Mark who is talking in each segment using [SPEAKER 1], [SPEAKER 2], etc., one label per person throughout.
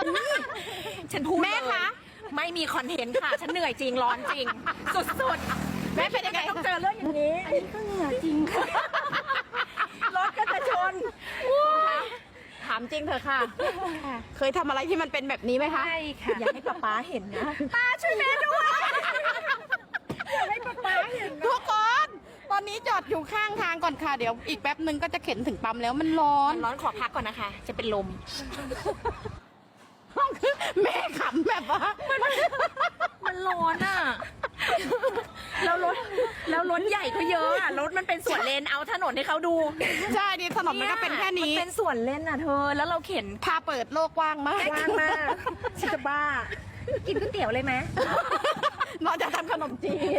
[SPEAKER 1] ฉันพูด
[SPEAKER 2] แม่คะ
[SPEAKER 1] ไม่มีคอนเทนต์ค่ะ ฉันเหนื่อยจริงร้อนจริง สุดๆแม่เป็นยังไงต้องเจอเรื่องอย่างนี้
[SPEAKER 2] อันนี้ก็เหงื่อจริงค่ะ
[SPEAKER 1] รถก็จะชนถามจริงเถอะค่ะ
[SPEAKER 2] เคยทำอะไรที่มันเป็นแบบนี้ไหมคะ
[SPEAKER 1] ใช่ค่ะ อยากให้ป๊าเห็นนะป้าช่วยแม่ด้วยอยากให้ป๊าเห็น
[SPEAKER 2] ทุกคน ตอนนี้จอดอยู่ข้างทางก่อนค่ะ เดี๋ยวอีกแป๊บนึงก็จะเข็นถึงปั๊มแล้วมันร้อน
[SPEAKER 1] ร้อนขอพักก่อนนะคะ จะเป็นลม
[SPEAKER 2] แม่ขำแบบว่า
[SPEAKER 1] มันร้อนอ่ะแล้วรถใหญ่ก็เยอะอ่ะรถมันเป็นสวนเลนเอาถนนให้เขาดู
[SPEAKER 2] ใช่ดิถนนมันก็เป็นแค่นี้
[SPEAKER 1] มันเป็นสวนเลนอ่ะเธอ แล้วเราเข็น
[SPEAKER 2] พาเปิดโลกกว้างมาก
[SPEAKER 1] ว่างมากฉันจะบ้า กินก๋วยเตี๋ยวเลยไหม
[SPEAKER 2] นอกจากทำขนมจีน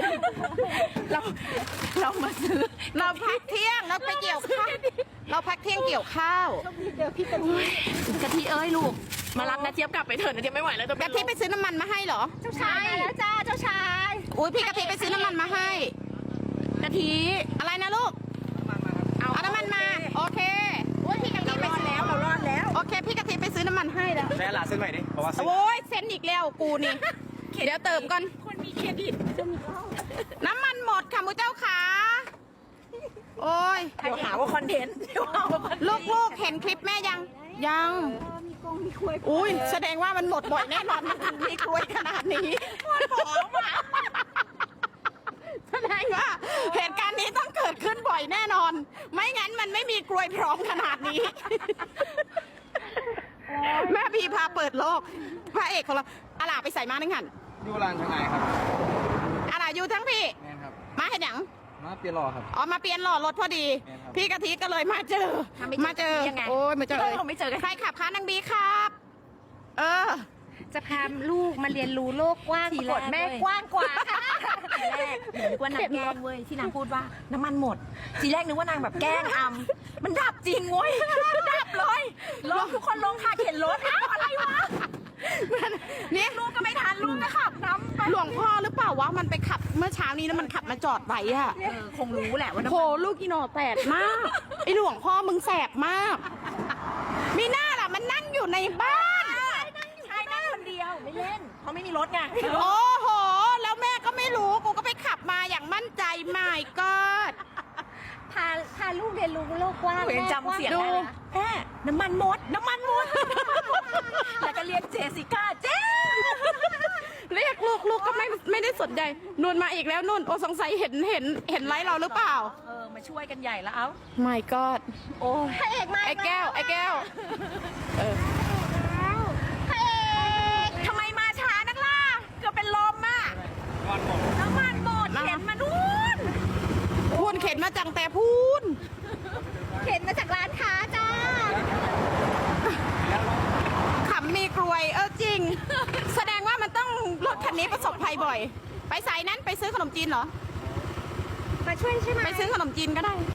[SPEAKER 2] เรามาซื้อ เราพักเที่ยงเราไปเกี่ยวข้าวเราพักเที่ยงเกี่ยวข้าว
[SPEAKER 1] เดี๋ยวพี่กะทิเอ้ยลูก มารับนะเจี๊ยบกลับไปเถอะนะเจี๊ยบไม่ไหวแล้ว
[SPEAKER 2] กะทิไปซื้อน้ำมันมาให้เหรอ
[SPEAKER 1] เจ้าชายมาแล้วจ้าเจ้าชาย
[SPEAKER 2] อุ้ยพี่กะทิไปซื้อน้ำมันมาให้
[SPEAKER 1] กะทิ
[SPEAKER 2] อะไรนะลูก เอาน้ำมันมา โอเคอุ้ยพี่กะทิไปซื้อ
[SPEAKER 1] เรารอดแล้ว
[SPEAKER 2] โอเค พี่กะทิไปซื้อน้ำมันให้แล้ว
[SPEAKER 3] ใช้หลาเส้นใหม่ดิเพราะว่า
[SPEAKER 2] โอ้ยเซ็นอีกแล้วกูนี่ เดี๋ยวเติมก่อน
[SPEAKER 1] คนมีเครดิต
[SPEAKER 2] น้ำมันหมดค่ะมูเจ้าขาโอ้ย
[SPEAKER 1] เดี๋ยวหาว่าคอนเทนต์เดี๋ยวหาว่าคอนเทนต์
[SPEAKER 2] ลูกๆเห็นคลิปแม่ยัง ยังอุ้ยแสดงว่ามันหมดบ่อยแน่นอนมันถึงมีกลวยขนาดนี้แสดงว่าเหตุการณ์นี้ต้องเกิดขึ้นบ่อยแน่นอน ไม่งั้นมันไม่มีกลวยพร้อมขนาดนี้ แม่พีพาเปิดโลกพระเอกของเราอาลาไปใส่มาหนึ่งหัน
[SPEAKER 3] ยูรานทางไหนครับ
[SPEAKER 2] อาลาอยู่ทั้งพี่
[SPEAKER 3] แม่นครับ
[SPEAKER 2] มาเห็นหยัง
[SPEAKER 3] มาเปลี่ยนหล่อครับ
[SPEAKER 2] อ๋อมาเปลี่ยนหล่อรถพอดี
[SPEAKER 3] แม่นครับ
[SPEAKER 2] พี่กะทิก็เลยมาเจอ มาเจอ
[SPEAKER 1] ยังไง
[SPEAKER 2] โอ้ยมาเจอ
[SPEAKER 1] เราไม่เจอกัน
[SPEAKER 2] ใครขับคะนางบีครับ เออ
[SPEAKER 1] จะพาลูกมาเรียนรู้โลกกว้างปรากฏแม่กว้างกว่าค่ะทีแรกเหมือนว่านางแกล้งเว้ยที่นางพูดว่าน้ำมันหมด ทีแรกนึกว่านางแบบแกล้งอำมันดับจริงเว้ยดับเลยลงทุกคนลงค่ะเข็นรถอ้าวอะไรวะ
[SPEAKER 2] เนี่ย
[SPEAKER 1] ลูกก็ไม่ทันลูกก็ขับน้ำไป
[SPEAKER 2] หลวงพ่อหรือเปล่าวะมันไปขับเมื่อเช้านี้แล้วมันขับมาจอดไว้อะ
[SPEAKER 1] คงรู้แหละว่าน้ำ
[SPEAKER 2] โห
[SPEAKER 1] มัน
[SPEAKER 2] ลูกอีโนแตกมาก ไอหลวงพ่อมึงแสบมาก มีหน้าล่ะมันนั่งอยู่ในบ้าน
[SPEAKER 1] ใช่นั่งคนเดียวไม่เล่นเพราะไม่มีรถไง
[SPEAKER 2] โอ้โห แล้วแม่ก็ไม่รู้กูก็ไปขับมาอย่างมั่นใจไม่ก็
[SPEAKER 4] พาลูกเรียนรู้โลกกว้าง
[SPEAKER 1] เห็นจำเสียงได้นะแม่น้ำมันหมดแล้วก็เรียกเจสสิก้าเจ๊
[SPEAKER 2] เรียกลูกก็ไม่ได้สนใจนุ่นมาอีกแล้วนุ่นโอ้สงสัยเห็นไลฟ์เราหรือเปล่า
[SPEAKER 1] มาช่วยกันใหญ่แล้วเอ้า
[SPEAKER 2] ไม่ก็
[SPEAKER 1] โอ้
[SPEAKER 4] พระเอกมา
[SPEAKER 2] ไอ้แก้วเออ
[SPEAKER 4] พระเอก
[SPEAKER 1] ทำไมมาช้านักล่ะเกือบเป็นลมอ่ะ
[SPEAKER 3] วันหมด
[SPEAKER 1] น้ำมันหมดเข็นมานู่น
[SPEAKER 2] พูนเข็นมาจังแต่พูน
[SPEAKER 4] เห็นมาจากร้านค้าจ้า
[SPEAKER 2] ขำมีกลวยจริง แสดงว่ามันต้องรถคันนี้ประสบภัยบ่อย ไปสายนั้นไปซื้อขนมจีนเหรอ
[SPEAKER 4] มาช่วยใช่ไหม
[SPEAKER 2] ไปซื้อขนมจีนก็ได้